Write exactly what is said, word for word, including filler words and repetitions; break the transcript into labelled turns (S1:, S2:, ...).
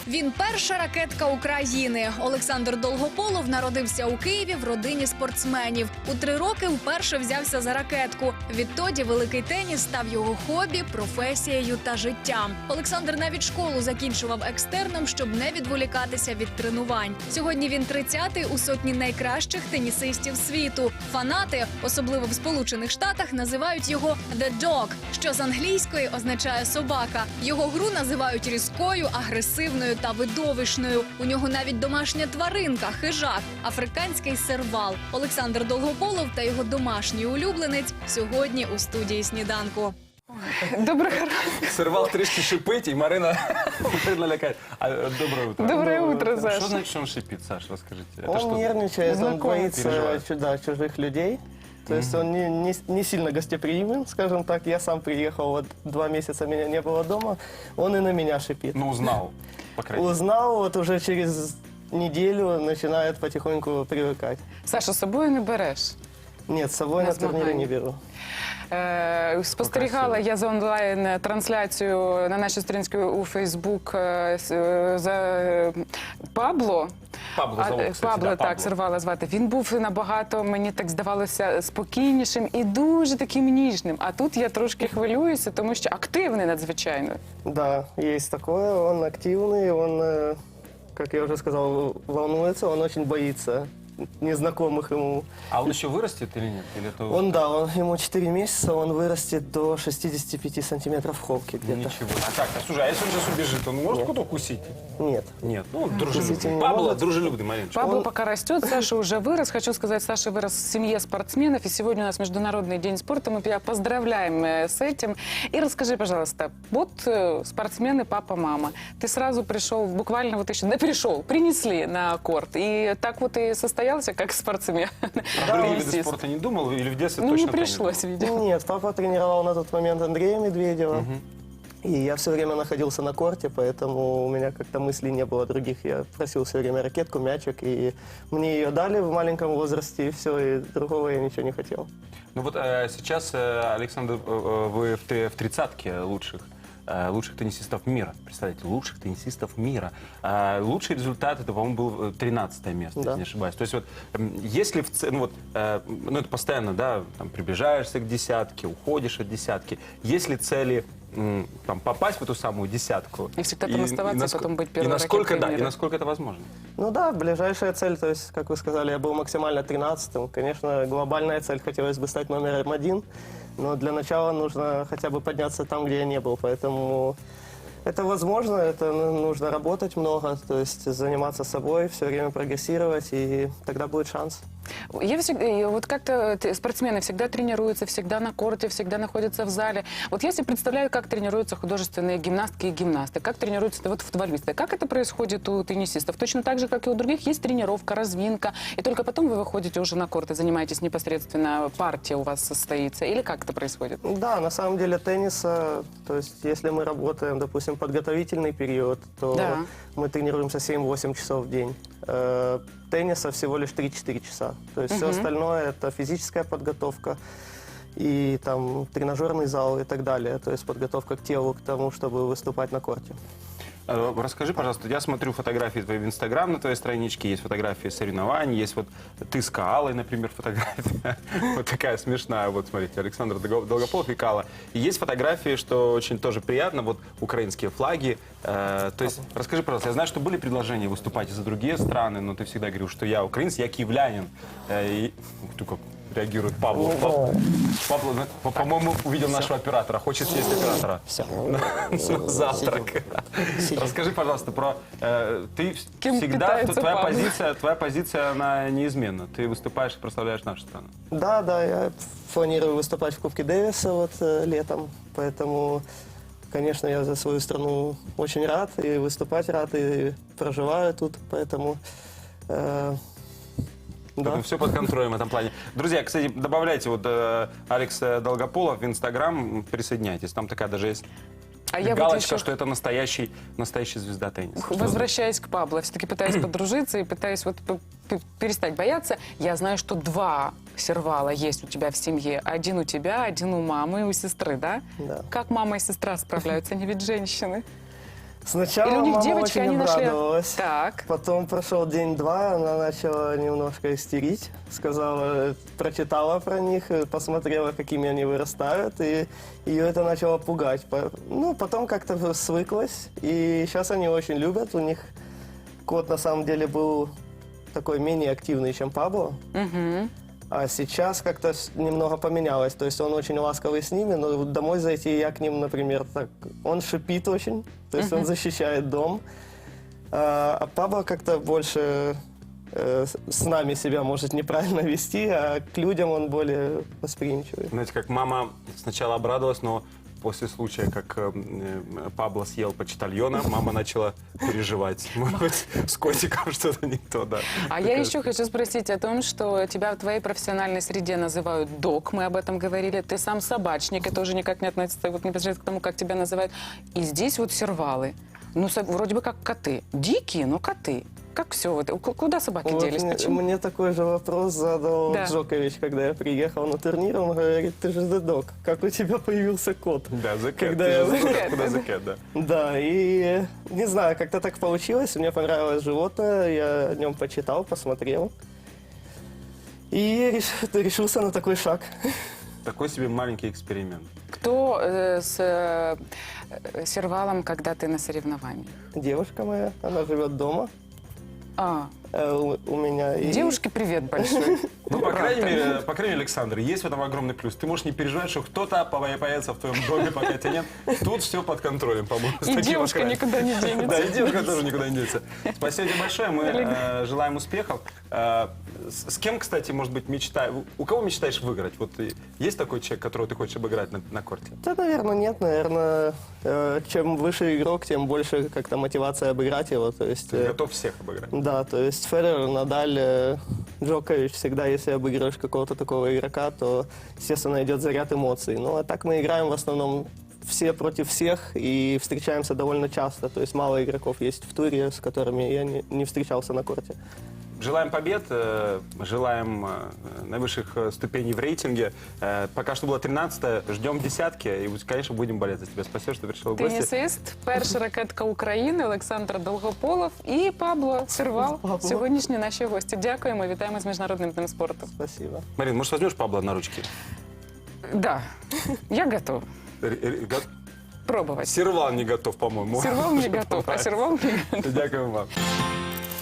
S1: Він перша ракетка України. Олександр Долгополов народився у Києві в родині спортсменів. У три роки вперше взявся за ракетку. Відтоді великий теніс став його хобі, професією та життям. Олександр навіть школу закінчував екстерном, щоб не відволікатися від тренувань. Сьогодні він тридцятий у сотні найкращих тенісистів світу. Фанати, особливо в Сполучених Штатах, називають його «The Dog», що з англійської означає «собака». Його гру називають різкою, агресивною та видовищною. У нього навіть домашня тваринка – хижак, африканський сервал. Олександр Долгополов та його домашній улюбленець сьогодні у студії «Сніданку».
S2: Доброго ранку.
S3: Сервал трішки шипить, и Марина лякает. А, доброе утро.
S2: Доброе утро, Саша.
S3: Что значит, что он шипит, Саш, расскажите? Это
S4: Он
S3: что?
S4: нервничает, он
S2: Знакомый.
S4: боится
S3: Переживает.
S4: чуда, чужих людей. То есть он не, не, не сильно гостеприимен, скажем так. Я сам приехал, вот два месяца меня не было дома, он и на меня шипит.
S3: Ну, узнал, по крайней мере.
S4: Узнал, вот уже через неделю начинает потихоньку привыкать.
S2: Саша, з собою не береш?
S4: Нет, с собой
S2: На
S4: на турнире
S2: змагання.
S4: не беру.
S2: Е, спостерігала я за онлайн-трансляцію на нашій сторінці у Фейсбук е, с- е, за е, Пабло.
S3: Пабло
S2: А,
S3: зовут,
S2: е,
S3: кстати,
S2: Пабло,
S3: да,
S2: так,
S3: Пабло.
S2: Сервала звати. Він був набагато, мені так здавалося, спокійнішим і дуже таким ніжним. А тут я трошки хвилююся, тому що активний надзвичайно.
S4: Да, есть такое, он активный, он, э, как я уже сказал, волнуется, он очень боится незнакомых ему.
S3: А он еще вырастет или нет? Или это уже
S4: Он, да, он, ему четыре месяца, он вырастет до шестидесяти пяти сантиметров в холке где-то.
S3: ничего? А как? А слушай, а если он сейчас убежит, он может куда укусить?
S4: Нет.
S3: Нет, ну,
S4: Кусить
S3: дружелюбный.
S4: не
S3: Пабло
S4: может.
S3: дружелюбный, Мариночка.
S2: Пабло
S4: Он-
S2: пока растет, Саша уже вырос. Хочу сказать, Саша вырос в семье спортсменов, и сегодня у нас Международный день спорта. Мы тебя поздравляем э, с этим. И расскажи, пожалуйста, вот э, спортсмены, папа, мама. Ты сразу пришел, буквально вот еще, да пришел, принесли на корт. И так вот и состоялся, как спортсмен.
S3: А другие виды спорта не думал? Или в детстве
S2: Ну,
S3: точно
S2: не
S3: теннис?
S2: пришлось, видимо.
S4: Нет, папа тренировал на тот момент Андрея Медведева. И я все время находился на корте, поэтому у меня как-то мыслей не было других. Я просил все время ракетку, мячик, и мне ее дали в маленьком возрасте, и все, и другого я ничего не хотел.
S3: Ну вот э, сейчас, э, Александр, э, э, вы в, три- в тридцатке лучших, э, лучших теннисистов мира. Представляете, лучших теннисистов мира. А лучший результат, это, по-моему, был тринадцатое место,
S4: Да.
S3: если не ошибаюсь. То есть вот, м, если в ц- ну вот, э, ну это постоянно, да, там, приближаешься к десятке, уходишь от десятки. Если цели м, там, попасть в эту самую десятку...
S2: И всегда там оставаться, и
S3: наско-
S2: потом быть
S3: и
S2: первой
S3: насколько,
S2: ракеткой
S3: да, и
S2: мира.
S3: насколько это возможно?
S4: Ну да, ближайшая цель, то есть, как вы сказали, я был максимально тринадцатым. Конечно, глобальная цель, хотелось бы стать номером один, но для начала нужно хотя бы подняться там, где я не был, поэтому... Это возможно, это ну, нужно работать много, то есть заниматься собой, все время прогрессировать, и тогда будет шанс.
S2: Я всегда, и вот как-то т- спортсмены всегда тренируются, всегда на корте, всегда находятся в зале. Вот я себе представляю, как тренируются художественные гимнастки и гимнасты, как тренируются вот футболисты. Как это происходит у теннисистов? Точно так же, как и у других, есть тренировка, разминка, и только потом вы выходите уже на корт и занимаетесь непосредственно, партия у вас состоится, или как это происходит?
S4: Да, на самом деле тенниса, то есть если мы работаем, допустим, подготовительный период, то
S2: Да.
S4: мы тренируемся семь-восемь часов в день. Э, Тенниса всего лишь три-четыре часа. То есть все остальное это физическая подготовка и там тренажерный зал и так далее. То есть подготовка к телу, к тому, чтобы выступать на корте.
S3: Э, Расскажи, пожалуйста, я смотрю фотографии твои в Инстаграм на твоей страничке, есть фотографии соревнований, есть вот ты с Каалой, например, фотография, вот такая смешная, вот смотрите, Александр Долго- Долгополов и Каала. И есть фотографии, что очень тоже приятно, вот украинские флаги. Э, То есть, расскажи, пожалуйста, я знаю, что были предложения выступать и за другие страны, но ты всегда говорил, что я украинец, я киевлянин. Э, и- Ух ты, как реагирует Павло. Пав- Павло, ну, по- по-моему, увидел нашего оператора, хочет съесть оператора.
S4: Все.
S3: На завтрак. Расскажи, пожалуйста, про э, ты
S2: Кем
S3: всегда
S2: питается
S3: твоя
S2: Павел?
S3: позиция, твоя позиция она неизменна. Ты выступаешь и прославляешь нашу страну.
S4: Да, да, я планирую выступать в Кубке Дэвиса вот э, летом, поэтому, конечно, я за свою страну очень рад и выступать рад, и проживаю тут, поэтому... э, да.
S3: Все под контролем в этом плане. Друзья, кстати, добавляйте вот э, Алекс Долгополов в Инстаграм, присоединяйтесь. Там такая даже есть
S2: А я вот
S3: галочка,
S2: еще-
S3: что это настоящий, настоящий звезда тенниса. Что
S2: Возвращаясь к Пабло, все-таки пытаюсь подружиться и пытаюсь вот п- п- перестать бояться. Я знаю, что два сервала есть у тебя в семье. Один у тебя, один у мамы и у сестры, да?
S4: Да.
S2: Как мама и сестра справляются? Они ведь женщины.
S4: Сначала
S2: Или у них
S4: мама
S2: девочки,
S4: очень
S2: они нашли...
S4: обрадовалась.
S2: Так.
S4: Потом прошел день-два, она начала немножко истерить, сказала, прочитала про них, посмотрела, какими они вырастают, и ее это начало пугать. По- Ну, потом как-то свыклась, и сейчас они очень любят. У них кот на самом деле был такой менее активный, чем Пабло.
S2: Мгм.
S4: А сейчас как-то с- немного поменялось. То есть он очень ласковый с ними, но вот домой зайти я к ним, например, так... Он шипит очень, то есть он защищает дом. А, а Пабло как-то больше э, с- с нами себя может неправильно вести, а к людям он более восприимчивый.
S3: Знаете, как мама сначала обрадовалась, но после случая, как э, э, Пабло съел почтальона, мама начала переживать. Может быть, с котиком что-то не то, да.
S2: А я еще хочу спросить о том, что тебя в твоей профессиональной среде называют док, мы об этом говорили. Ты сам собачник, это уже никак не относится вот, непосредственно к тому, как тебя называют. И здесь вот сервалы. Ну, со- вроде бы как коты. Дикие, но коты. Как все? Вот, ку- куда собаки
S4: Вот
S2: делись?
S4: мне,
S2: Почему?
S4: мне такой же вопрос задал
S2: Да.
S4: Джокович, когда я приехал на турнир. Он говорит, ты же дедок, как у тебя появился кот?
S3: Да, The Cat.
S4: Когда
S3: Ты
S4: я-
S3: же знаешь,
S2: The Cat,
S3: куда
S2: да.
S3: The Cat, да.
S4: Да, и не знаю, как-то так получилось. Мне понравилось животное, я о нем почитал, посмотрел. И реш- решился на такой шаг.
S3: Такой себе маленький эксперимент.
S2: Кто э, с э, э, сервалом, когда ты на соревнованиях?
S4: Девушка моя, она живет дома
S2: А,
S4: э, у, у меня. И...
S2: девушке привет большой.
S3: Ну, по крайней
S2: Правда.
S3: мере, по крайней мере, Александр, есть в этом огромный плюс. Ты можешь не переживать, что кто-то пова- появится в твоем доме, пока тебя нет. Тут все под контролем, по-моему. с
S2: И
S3: таким
S2: девушка
S3: окраем.
S2: никуда не денется.
S3: Да, и девушка тоже никуда не денется. Спасибо тебе большое. Мы э, желаем успехов. Э, с, с кем, кстати, может быть, мечта... У кого мечтаешь выиграть? Вот и есть такой человек, которого ты хочешь обыграть на, на корте?
S4: Да, наверное, нет. Наверное, э, чем выше игрок, тем больше как-то мотивация обыграть его. То есть,
S3: Ты
S4: э,
S3: готов всех обыграть?
S4: да, то есть Федерер, Надаль, э, Джокович, всегда, если обыгрываешь какого-то такого игрока, то, естественно, идет заряд эмоций. Ну, а так мы играем в основном все против всех и встречаемся довольно часто. То есть мало игроков есть в туре, с которыми я не, не встречался на корте.
S3: Желаем побед, э, желаем э, наивысших э, ступеней в рейтинге. Э, Пока что было тринадцатое, ждем десятки и, конечно, будем болеть за тебя. Спасибо, что пришел в гости.
S2: Тенісист, перша ракетка України Олександр Долгополов і Пабло Сервал.
S4: Пабло.
S2: Сьогоднішні наші гості. Дякуємо, вітаємо з Міжнародним днем спорту.
S4: Спасибо.
S3: Марин, может, возьмешь Пабло на ручки?
S2: Да, я готов
S3: Р- р- го-
S2: пробовать.
S3: Сервал не готов, по-моему.
S2: Сервал не готов, а сервал не готов.
S3: Дякую вам.